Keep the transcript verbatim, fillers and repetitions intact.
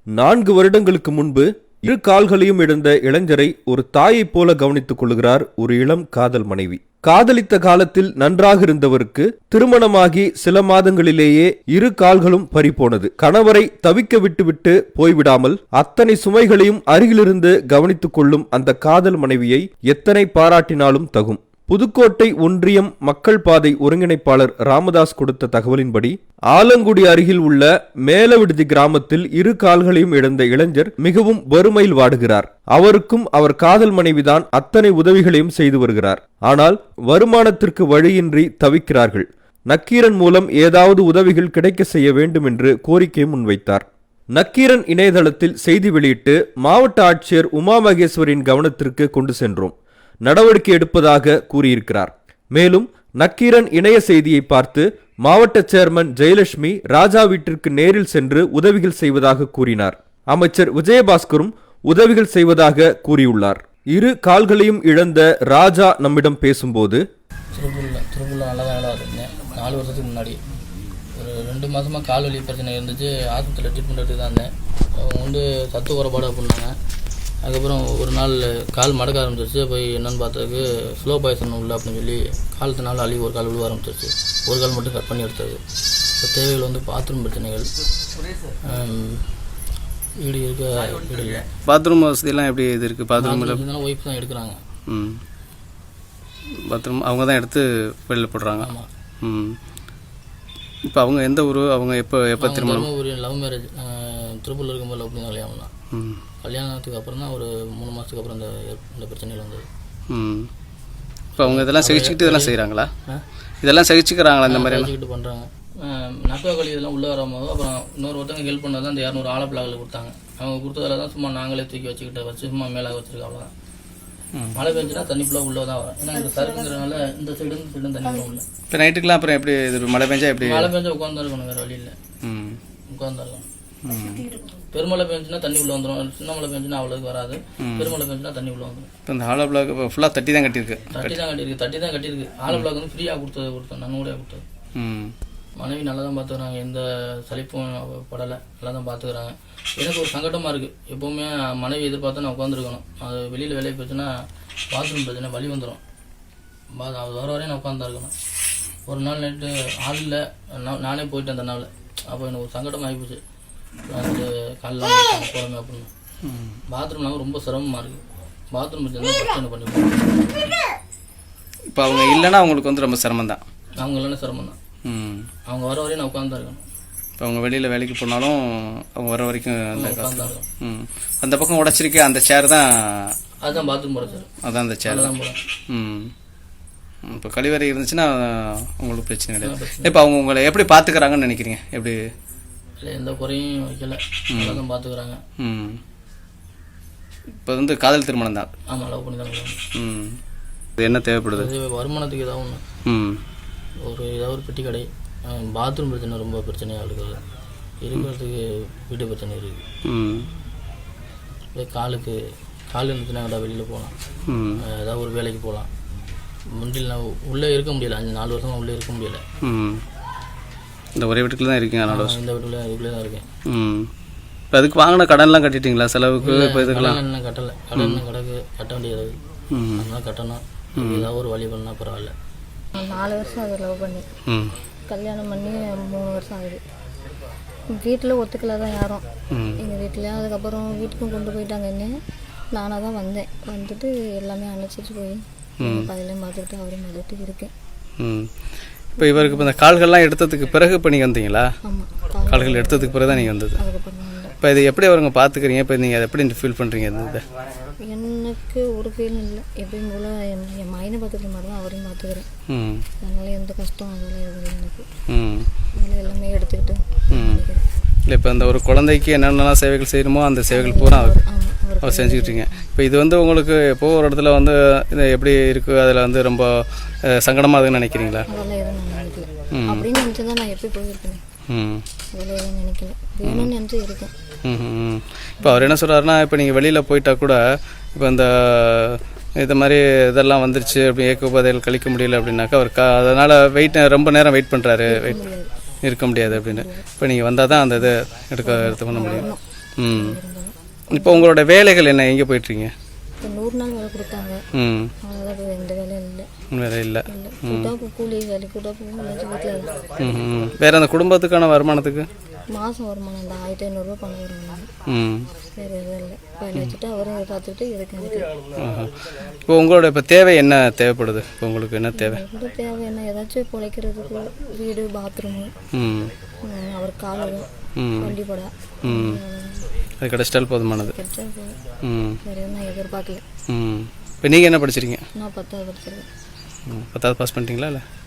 நான்கு வருடங்களுக்கு முன்பு இரு கால்களையும் இழந்த இளைஞரை ஒரு தாயைப் போல கவனித்துக் கொள்கிறார் ஒரு இளம் காதல் மனைவி. காதலித்த காலத்தில் நன்றாக இருந்தவருக்கு திருமணமாகி சில மாதங்களிலேயே இரு கால்களும் பறிபோனது. கணவரை தவிக்க விட்டுவிட்டு போய்விடாமல் அத்தனை சுமைகளையும் அருகிலிருந்து கவனித்துக் கொள்ளும் அந்த காதல் மனைவியை எத்தனை பாராட்டினாலும் தகும். புதுக்கோட்டை ஒன்றியம் மக்கள் பாதை ஒருங்கிணைப்பாளர் ராமதாஸ் கொடுத்த தகவலின்படி ஆலங்குடி அருகில் உள்ள மேலவிடுதி கிராமத்தில் இரு கால்களையும் இழந்த இளைஞர் மிகவும் வறுமையில் வாடுகிறார். அவருக்கும் அவர் காதல் மனைவிதான் அத்தனை உதவிகளையும் செய்து வருகிறார். ஆனால் வருமானத்திற்கு வழியின்றி தவிக்கிறார்கள். நக்கீரன் மூலம் ஏதாவது உதவிகள் கிடைக்க செய்ய வேண்டும் என்று கோரிக்கை முன்வைத்தார். நக்கீரன் இணையதளத்தில் செய்தி வெளியிட்டு மாவட்ட ஆட்சியர் உமா மகேஸ்வரின் கவனத்திற்கு கொண்டு சென்றோம், நடவடிக்கை எடுப்பதாக கூறியிருக்கிறார். மேலும் நக்கீரன் இணைய செய்தியை பார்த்து மாவட்ட சேர்மன் ஜெயலட்சுமி ராஜா வீட்டிற்கு நேரில் சென்று உதவிகள் செய்வதாக கூறினார். அமைச்சர் விஜயபாஸ்கரும் உதவிகள் செய்வதாக கூறியுள்ளார். இரு கால்களையும் இழந்த ராஜா நம்மிடம் பேசும்போது, திருப்பூரில் திருப்பூரில் நல்லா தான் இடம் இருந்தேன். நாலு வருஷத்துக்கு முன்னாடி ஒரு ரெண்டு மாதமாக கால் வலி பிரச்சனை இருந்துச்சு. ஆஸ்பத்திரியில் ட்ரீட்மெண்ட் எடுத்து தான் இருந்தேன். அவங்க வந்து சத்து குறைபாடு அப்படின்னாங்க. அதுக்கப்புறம் ஒரு நாள் கால் மடக்க ஆரம்பிச்சிருச்சு. போய் என்னென்னு பார்த்ததுக்கு ஸ்லோ பாய்சன் உள்ள அப்படின்னு சொல்லி காலத்தினால அழி ஒரு கால் விழுவ ஆரம்பிச்சிருச்சு. ஒரு கால் மட்டும் கட் பண்ணி எடுத்தது. இப்போ தேவைகள் வந்து பாத்ரூம் பிரச்சனைகள், வீடு இருக்க வீடு இல்லை. பாத்ரூம் வசதியெல்லாம் எப்படி இது இருக்குது? பாத்ரூம் இருந்தாலும் ஒய்ஃப் தான் எடுக்கிறாங்க. ம் பாத்ரூம் அவங்க தான் எடுத்து வெளியில் போடுறாங்க. ஆமாம். ம் இப்போ அவங்க எந்த ஊர்? அவங்க எப்போ எப்போ திருமணம்? ஒரு லவ் மேரேஜ். திருப்பூரில் இருக்கும்போது லவ் பண்ணி கல்யாணம் தான். ம் கல்யாணத்துக்கு அப்புறம் தான் ஒரு மூணு மாதத்துக்கு அப்புறம் இந்த இந்த பிரச்சனைகள் வந்தது. ம் இப்போ அவங்க இதெல்லாம் சகிச்சுக்கிட்டு இதெல்லாம் செய்கிறாங்களா? இதெல்லாம் சகிச்சுக்கிறாங்களா? இந்த மாதிரி சகிச்சுக்கிட்டு பண்ணுறாங்க. நக்கா கழி இதெல்லாம் உள்ளே வரும்போது அப்புறம் இன்னொரு ஒருத்தவங்க ஹெல்ப் பண்ணது தான் இந்த இரநூறு ஆழ பிளாகில் கொடுத்தாங்க. அவங்க கொடுத்ததில் தான் சும்மா நாங்களே தூக்கி வச்சுக்கிட்ட வச்சு சும்மா மேலே வச்சுருக்கோம். அவ்வளோதான். மழை பெஞ்சுன்னா தண்ணி ஃபுல்லாக உள்ளே தான் வரும். ஏன்னா இந்த சருக்குங்கிறனால இந்த சைடு இந்த சைடும் தண்ணி வரும் இல்லை. இப்போ நைட்டுக்கெலாம் அப்புறம் எப்படி இது மழை பெஞ்சா எப்படி? மழை பெஞ்சா உட்காந்து இருக்கணும், வேறு வழி இல்லை. ம் உட்காந்துருக்கணும். பெருமழை பெஞ்சுன்னா தண்ணி உள்ள வந்துடும். சின்ன மழை பெஞ்சுன்னா அவ்வளோக்கு வராது. பெருமழை பெஞ்சுன்னா தண்ணி உள்ள வந்துடும். இப்போ இந்த ஆலோ பிளாக் ஃபுல்லாக தட்டி தான் கட்டியிருக்கு. தட்டி தான் கட்டியிருக்கு தட்டி தான் கட்டியிருக்கு ஆலோ பிளாக் வந்து ஃப்ரீயாக கொடுத்தது கொடுத்தோம் நன்கூடையாக கொடுத்தது. ம் மனைவி நல்லா தான் பார்த்துக்கிறாங்க. எந்த சலிப்பும் படலை, நல்லா தான் பார்த்துக்கிறாங்க. எனக்கு ஒரு சங்கடமாக இருக்குது. எப்போவுமே மனைவி எதிர்பார்த்து நான் உட்காந்துருக்கணும். அது வெளியில் வேலையை போச்சுன்னா பாத்ரூம் பிரச்சனை வலி வந்துடும். பா அது வர வரையும் நான் உட்காந்து இருக்கணும். ஒரு நாள் நைட்டு ஆள் இல்லை, நான் நானே போயிட்டேன் அந்த நாள். அப்போ எனக்கு ஒரு சங்கடம் ஆகிப்போச்சு. வந்து காலைல போகிறோமே அப்படின்னு. பாத்ரூம்னாலும் ரொம்ப சிரமமாக இருக்குது. பாத்ரூம் பிரச்சனை பிரச்சனை பண்ணி இப்போ அவங்க இல்லைன்னா அவங்களுக்கு வந்து ரொம்ப சிரமம் தான். அவங்க இல்லைன்னா சிரமம் தான். ம் அவங்க வர வரையும் நான் உட்காந்து இருக்கணும். இப்போ அவங்க வெளியில் வேலைக்கு போனாலும் அவங்க வர வரைக்கும் அந்த உட்காந்து இருக்கணும். ம் அந்த பக்கம் உடச்சிருக்கே அந்த சேர் தான். அதுதான் பாத்ரூம் போட சார். அதான் அந்த சேர் தான். ம் இப்போ கழிவறை இருந்துச்சுன்னா உங்களுக்கு பிரச்சனை கிடையாது. இப்போ அவங்க உங்களை எப்படி பார்த்துக்கிறாங்கன்னு நினைக்கிறீங்க? எப்படி? இல்லை, எந்த குறையும் வைக்கல, நல்லா தான் பார்த்துக்கிறாங்க. ம் இப்போ வந்து காதல் திருமணம் தான். ஆமாம், லவ் பண்ணி தான். ம் இது என்ன தேவைப்படுது? வருமானத்துக்கு ஏதாவது ஒன்று, ம் ஒரு ஏதாவது ஒரு பெட்டி கடை. பாத்ரூம் பிரச்சனை ரொம்ப பிரச்சனையாக இருக்குது. இருக்கிறதுக்கு வீட்டு பிரச்சனை இருக்குது. ம் இதே காலுக்கு கால் இருந்துச்சுன்னா ஏதாவது வெளியில் போகலாம், ஏதாவது ஒரு வேலைக்கு போகலாம். முந்தில் நான் உள்ளே இருக்க முடியல. அஞ்சு நாலு வருஷமாக உள்ளே இருக்க முடியல. ம் இந்த ஒரே வீட்டுக்குள்ள தான் இருக்கீங்க? நாலு வருஷம் இந்த வீட்டில் இதுக்குள்ளே தான் இருக்கேன். ம் இப்போ அதுக்கு வாங்கின கடன்லாம் கட்டிட்டீங்களா? செலவுக்கு இப்போ இதுக்கெல்லாம் என்ன கட்டலை. கடன் கிடக்கு, கட்ட வேண்டியது. அதனால கட்டணும். ஏதாவது ஒரு வழி பண்ணால் பரவாயில்ல. நாலு வருஷம் அதை லவ் பண்ணி ம் கல்யாணம் பண்ணி மூணு வருஷம் ஆகுது. வீட்டில் ஒத்துக்கல தான் யாரும், எங்கள் வீட்டில். அதுக்கப்புறம் வீட்டுக்கும் கொண்டு போயிட்டாங்க. என்ன நானாக தான் வந்தேன். வந்துட்டு எல்லாமே அணைச்சிட்டு போய் பதிலையும் பார்த்துக்கிட்டு அவரையும் பார்த்துட்டு இருக்கேன். ம் இப்போ இவருக்கு இப்போ இந்த கால்கள்லாம் எடுத்ததுக்கு பிறகு இப்போ நீங்கள் வந்தீங்களா? ஆமாம், கால்கள் எடுத்ததுக்கு பிறகு தான் நீங்கள் வந்தது. அதுக்கப்புறம் தான் வந்தேன். இப்போ இது எப்படி அவருங்க பார்த்துக்கிறீங்க? இப்போ நீங்கள் அதை எப்படி ஃபீல் பண்ணுறீங்க? இந்த எனக்கு ஒரு ஃபீல் இல்லை. எப்பயும் போல் என் என் மைனை பார்த்துக்கிற மாதிரி தான் அவரையும் பார்த்துக்கிறேன். ம் அதனால எந்த கஷ்டம் அதெல்லாம் எதுவும் எனக்கு. ம் அதனால எல்லாமே எடுத்துக்கிட்டு ம் இல்லை இப்போ இந்த ஒரு குழந்தைக்கு என்னென்னலாம் சேவைகள் செய்யணுமோ அந்த சேவைகள் பூரா அவர் அவர் செஞ்சுக்கிட்டீங்க. இப்போ இது வந்து உங்களுக்கு எப்போ ஒரு இடத்துல வந்து இது எப்படி இருக்குது, அதில் வந்து ரொம்ப சங்கடமாக இருக்குன்னு நினைக்கிறீங்களா? அதெல்லாம் எதுவும் நான் நினைக்கல. அப்படின்னு நினச்சி தான் நான் எப்படி போயிருக்கேன். ம் அதெல்லாம் எதுவும் நினைக்கல. வேணும்னு நினச்சி இருக்கேன். ம் ம் இப்போ அவர் என்ன சொல்கிறாருன்னா, இப்போ நீங்கள் வெளியில் போயிட்டா கூட இப்போ இந்த இது மாதிரி இதெல்லாம் வந்துருச்சு அப்படி ஏக்க உபாதைகள் கழிக்க முடியல அப்படின்னாக்கா அவர் கா அதனால் வெயிட் ரொம்ப நேரம் வெயிட் பண்ணுறாரு, வெயிட் இருக்க முடியாது அப்படின்னு. இப்போ நீங்கள் வந்தால் தான் அந்த இதை எடுக்க எடுத்து பண்ண முடியும். ம். இப்போ உங்களோட வேலைகள் என்ன, எங்கே போயிட்டுருங்க? இப்போ நூறு நாள் வேலை கொடுத்தாங்க. ம். அவ்வளோதான், இப்போ எந்த வேலையும் இல்லை. வேலை இல்லை. இல்லை கூட்டா போ கூலி வேலை கூட்டா போகும் இல்லாச்சும் வீட்டில் தான். ம் ம். வேறு அந்த குடும்பத்துக்கான வருமானத்துக்கு? மாதம் வருமானம் இந்த ஆயிரத்தி ஐநூறுரூவா பணம் வருமானம். ம். வேறு எதுவும் இல்லை. பையனை வச்சுட்டு அவரும் இதை பார்த்துக்கிட்டு இதுக்கு எனக்கு ஆஹா. இப்போ உங்களோட இப்போ தேவை என்ன தேவைப்படுது? இப்போ உங்களுக்கு என்ன தேவை? எந்த தேவை என்ன, ஏதாச்சும் பிழைக்கிறதுக்கு வீடு பாத்ரூமு, ம். அவர் காலு ம். வண்டிப்படா ம். அது கிடைச்சிட்டால் போதுமானது. கிடைச்சா போதும். ம். வேறு எதுவும் நான் எதிர்பார்க்கல. ம். இப்போ நீங்கள் என்ன படிச்சிருக்கீங்க? நான் பத்தாவது படிச்சிருக்கேன். ம். பத்தாவது பாஸ் பண்ணிட்டீங்களா இல்லை?